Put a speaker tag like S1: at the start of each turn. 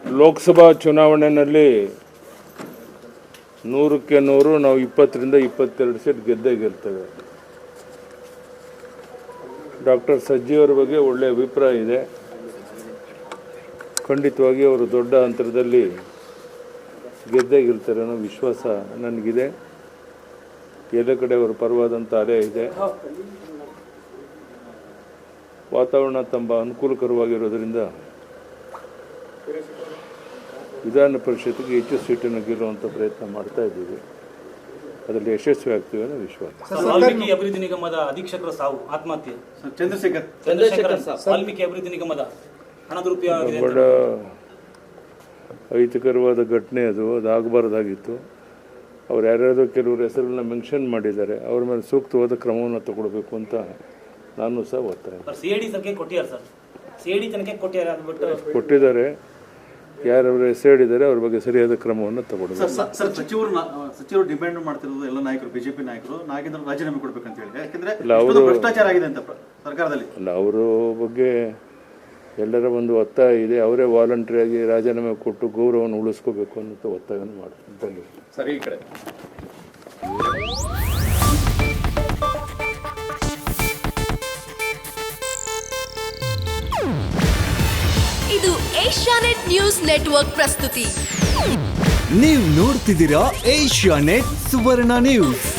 S1: ಲೋಕಸಭಾ ಚುನಾವಣೆಯಲ್ಲಿ 100ಕ್ಕೆ 100 ನಾವು 20ರಿಂದ 22 ಸೀಟ್ ಗೆದ್ದೇ ಗೆಲ್ತೇವೆ. ಡಾಕ್ಟರ್ ಸಜ್ಜಿಯವರ ಬಗ್ಗೆ ಒಳ್ಳೆಯ ಅಭಿಪ್ರಾಯ ಇದೆ. ಖಂಡಿತವಾಗಿ ಅವರು ದೊಡ್ಡ ಅಂತರದಲ್ಲಿ ಗೆದ್ದೇ ಗೆಲ್ತಾರೆ ಅನ್ನೋ ವಿಶ್ವಾಸ ನನಗಿದೆ. ಎಲ್ಲ ಕಡೆ ಅವರ ಪರವಾದಂಥ ಅಲೆ ಇದೆ. ವಾತಾವರಣ ತುಂಬ ಅನುಕೂಲಕರವಾಗಿರೋದರಿಂದ ವಿಧಾನ ಪರಿಷತ್ತಿಗೆ ಹೆಚ್ಚು ಸೀಟನ್ನು ಗೆಲ್ಲುವಂಥ ಪ್ರಯತ್ನ ಮಾಡ್ತಾ ಇದ್ದೀವಿ. ಅದರಲ್ಲಿ ಯಶಸ್ವಿ ಆಗ್ತೀವಿ ಅನ್ನೋ ವಿಶ್ವಾಸ.
S2: ವಾಲ್ಮೀಕಿ ಅಭಿವೃದ್ಧಿ ನಿಗಮದ ಅಧೀಕ್ಷಕರ ಸಾವು, ಆತ್ಮಹತ್ಯೆ. ಚಂದ್ರಶೇಖರ್ ವಾಲ್ಮೀಕಿ ಅಭಿವೃದ್ಧಿ ನಿಗಮದ ಹಣ ದುರುಪಯೋಗ
S1: ಬಹಳ ಅಹಿತಕರವಾದ ಘಟನೆ ಅದು ಆಗಬಾರ್ದಾಗಿತ್ತು. ಅವ್ರು ಯಾರ್ಯಾರೋ ಕೆಲವರು ಹೆಸರನ್ನ ಮೆನ್ಷನ್ ಮಾಡಿದ್ದಾರೆ. ಅವ್ರ ಮೇಲೆ ಸೂಕ್ತವಾದ ಕ್ರಮವನ್ನು ತಗೊಳ್ಬೇಕು ಅಂತ ನಾನು ಸಹ ಒತ್ತಾಯ. ಕೊಟ್ಟಿದ್ದಾರೆ. ಯಾರವರು ಹೆಸರಿದ್ದಾರೆ ಅವ್ರ ಬಗ್ಗೆ ಸರಿಯಾದ ಕ್ರಮವನ್ನು ತಗೊಳ್ಬೇಕು.
S3: ಸಚಿವರು ಡಿಮ್ಯಾಂಡ್ ಮಾಡ್ತಿರೋದು ಎಲ್ಲ ನಾಯಕರು, ಬಿಜೆಪಿ ನಾಯಕರು ನಾಗೇಂದ್ರ ರಾಜೀನಾಮೆ ಕೊಡ್ಬೇಕಂತ ಹೇಳಿ. ಯಾಕಂದ್ರೆ ಅವರು ಭ್ರಷ್ಟಾಚಾರ ಆಗಿದೆ ಅಂತ ಸರ್ಕಾರದಲ್ಲಿ. ಅಲ್ಲ, ಅವರ ಬಗ್ಗೆ ಎಲ್ಲರ ಒಂದು ಒತ್ತಾಯ ಇದೆ. ಅವರೇ ವಾಲಂಟ್ರಿಯಾಗಿ ರಾಜೀನಾಮೆ ಕೊಟ್ಟು ಗೌರವವನ್ನು ಉಳಿಸ್ಕೋಬೇಕು ಅನ್ನೋ ಒತ್ತಾಯವನ್ನು ಮಾಡ್ತಾರೆ.
S4: ಸರಿ, ಈ ಕಡೆ
S5: ಇದು ಏಷ್ಯಾನೆಟ್ ನ್ಯೂಸ್ ನೆಟ್ವರ್ಕ್ ಪ್ರಸ್ತುತಿ.
S6: ನೀವು ನೋಡ್ತಿದ್ದೀರಾ ಏಷ್ಯಾನೆಟ್ ಸುವರ್ಣ ನ್ಯೂಸ್.